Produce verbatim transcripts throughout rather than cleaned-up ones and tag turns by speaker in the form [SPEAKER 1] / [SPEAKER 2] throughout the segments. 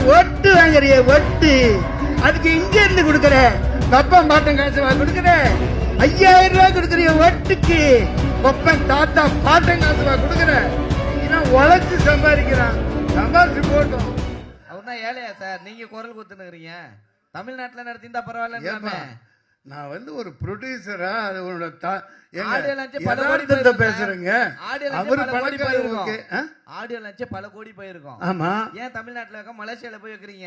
[SPEAKER 1] ஒட்டு வாங்குறிய ஒட்டு அதுக்கு இங்க இருந்து கொடுக்கற கப்பம் பாட்டம் காசு கொடுக்கற ஐயாயிரம் ரூபாய் கொடுக்கறிய ஒட்டுக்கு ஒப்பன் தாத்தா பாட்டம் காசு கொடுக்கற உழைச்சு சம்பாதிக்கிறான் சம்பாதிச்சு போட்டோம்.
[SPEAKER 2] அவர் தான் ஏழையா சார், நீங்க குரல் குத்துனுக்குறீங்க. தமிழ்நாட்டுல நடத்திருந்தா பரவாயில்ல.
[SPEAKER 1] நான் வந்து ஒரு ப்ரொடியூசரா அது உன்னோட பேசுறேங்க.
[SPEAKER 2] ஆடியோ லட்சம் பல கோடி போயிருக்கோம்.
[SPEAKER 1] ஆமா,
[SPEAKER 2] ஏன் தமிழ்நாட்டுல இருக்க மலேசியால போய் வைக்கிறீங்க?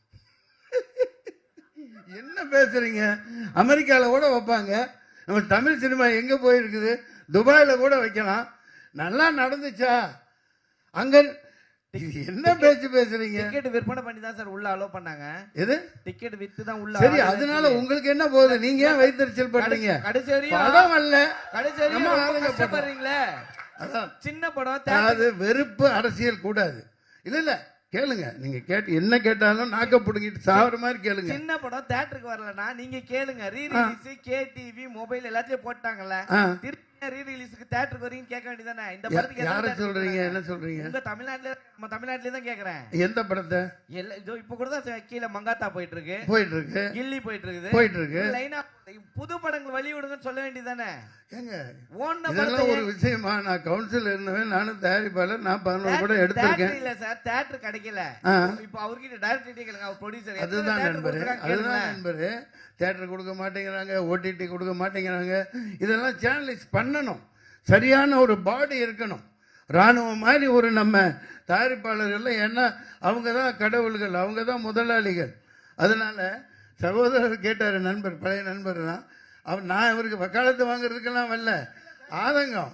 [SPEAKER 1] என்ன பேசுறீங்க? அமெரிக்கால கூட வைப்பாங்க. நம்ம தமிழ் சினிமா எங்க போயிருக்குது? துபாயில கூட வைக்கலாம். நல்லா நடந்துச்சா? அங்க என்ன பேச்சு பேசுறீங்க?
[SPEAKER 2] டிக்கெட் விற்பனை பண்ணி தான் சார் உள்ள அலோ பண்ணாங்க.
[SPEAKER 1] எது
[SPEAKER 2] டிக்கெட் வித்து தான் உள்ள.
[SPEAKER 1] சரி, அதனால உங்களுக்கு என்ன போகுது? நீங்க ஏன் வைத்தறிச்சல் பண்றீங்க?
[SPEAKER 2] கடைசி வரையும்
[SPEAKER 1] படம் அல்ல,
[SPEAKER 2] கடைசி வரையும் கஷ்டப்படுறீங்களே. அதான் சின்ன படம்.
[SPEAKER 1] அது வெறுப்பு அரசியல் கூடாது. இல்ல இல்ல கேளுங்க, நீங்க கேட்டு என்ன கேட்டாலும் நாக்க புடுங்கிட்டு சாவற மாதிரி கேளுங்க.
[SPEAKER 2] சின்ன படம் தியேட்டருக்கு வரலனா நீங்க கேளுங்க. Re release K TV mobile எல்லாத்தையும் போட்டாங்கல்ல, திருப்பி ரீ ரிலீஸ்க்கு தியேட்டருக்கு வரீங்க கேட்க வேண்டியதானே? இந்த படத்துக்கு
[SPEAKER 1] யார சொல்றீங்க? என்ன சொல்றீங்க?
[SPEAKER 2] உங்க தமிழ்நாட்டுல நம்ம தமிழ்நாட்டுல தான் கேக்குறேன்.
[SPEAKER 1] எந்த படத்தை?
[SPEAKER 2] எல்லாம் இதோ இப்ப கூட தான் கீழ மங்காத்தா போயிட்டு இருக்கு,
[SPEAKER 1] போயிட்டு இருக்கு,
[SPEAKER 2] கில்லி போயிட்டு இருக்குது,
[SPEAKER 1] போயிட்டு இருக்கு.
[SPEAKER 2] லைனா புது படங்கள் வழி விடுங்கன்னு சொல்ல வேண்டியதானே?
[SPEAKER 1] ஏங்க
[SPEAKER 2] ஓன்
[SPEAKER 1] இதெல்லாம் ஒரு விஷயமா? நான் கவுன்சில் இருந்தவன், நானும் தயாரிப்பாளர், நான் பதினோரு படம் எடுத்திருக்கேன்.
[SPEAKER 2] இல்ல சார், தியேட்டர் கிடைக்கல. இப்ப அவர்கிட்ட டைரக்டர் கேளுங்க, அவர் ப்ரொடியூசர்.
[SPEAKER 1] அதுதான் நண்பரு, அதுதான் நண்பரு. தியேட்டர் கொடுக்க மாட்டேங்கிறாங்க, ஓடிடி கொடுக்க மாட்டேங்கிறாங்க. இதெல்லாம் சேனலைஸ் பண்ணணும். சரியான ஒரு பாடி இருக்கணும். ராணுவம் மாதிரி ஒரு நம்ம தயாரிப்பாளர்கள். ஏன்னா அவங்க தான் கடவுள்கள், அவங்க தான் முதலாளிகள். அதனால சகோதரர் கேட்டாரு, நண்பர், பழைய நண்பர் தான் அவர். நான் இவருக்கு வக்காலத்து வாங்குறதுக்கெல்லாம் வரல, ஆதங்கம்.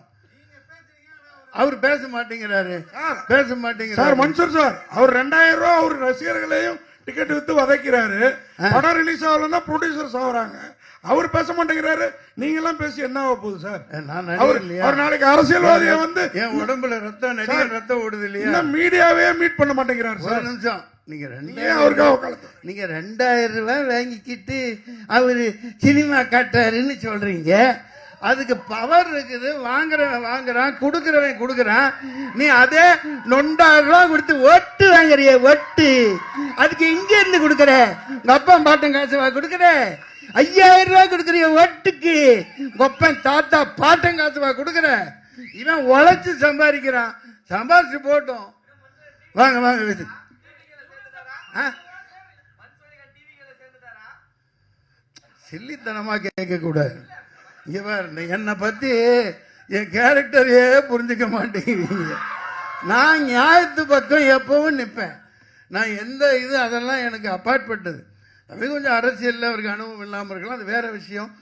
[SPEAKER 1] அவர் பேச மாட்டேங்கிறாரு, பேச மாட்டேங்கிறாரு.
[SPEAKER 3] சார் மன்சூர் சார், அவர் ரெண்டாயிரம் ரூபாய் அவர் ரசிகர்களையும் டிக்கெட் வித்து வதைக்கிறாரு. படம் ரிலீஸ் ஆகலன்னா ப்ரொடியூசர்ஸ் ஆகுறாங்க. அவர் பேச மாட்டேங்கிறாரு. நீங்க எல்லாம் பேசி என்ன ஆக போகுது சார்? அவர் நாளைக்கு அரசியல்வாதியை வந்து
[SPEAKER 1] என் உடம்புல ரத்தம், நடிகர் ரத்தம் ஓடுது இல்லையா?
[SPEAKER 3] மீடியாவே மீட் பண்ண மாட்டேங்கிறாரு சார்.
[SPEAKER 1] நிமிஷம், நீங்க ரெண்டாயிரம் நீங்க ரெண்டாயிரம் ரூபாய் வாங்கிக்கிட்டு அவரு சினிமா காட்டாருன்னு சொல்றீங்க. அதுக்கு பவர் இருக்குது. வாங்குறவன் வாங்குறான், கொடுக்கறவன் கொடுக்கறான். நீ அதே நொண்டாயிரம் ரூபாய் கொடுத்து ஒட்டு வாங்குறிய ஒட்டு அதுக்கு இங்க இருந்து கொடுக்கற கப்பம் பாட்டம் காசு கொடுக்கற ஐயாயிரம் ரூபாய் கொடுக்கறிய ஒட்டுக்கு கொப்பன் தாத்தா பாட்டம் காசு கொடுக்கற. இவன் உழைச்சு சம்பாதிக்கிறான், சம்பாதிச்சு போட்டோம். வாங்க வாங்க. சில்லித்தனமா கேட்க கூடாது. இங்க பாரு, என்னை பத்தி என் கேரக்டரையே புரிஞ்சுக்க மாட்டேங்கிறீங்க. நான் நியாயத்து பக்கம் எப்பவும் நிற்பேன். நான் எந்த இது அதெல்லாம் எனக்கு அப்பாற்பட்டது. அது கொஞ்சம் அரசியல்ல அவருக்கு அனுபவம் இல்லாமல் இருக்கலாம், அது வேற விஷயம்.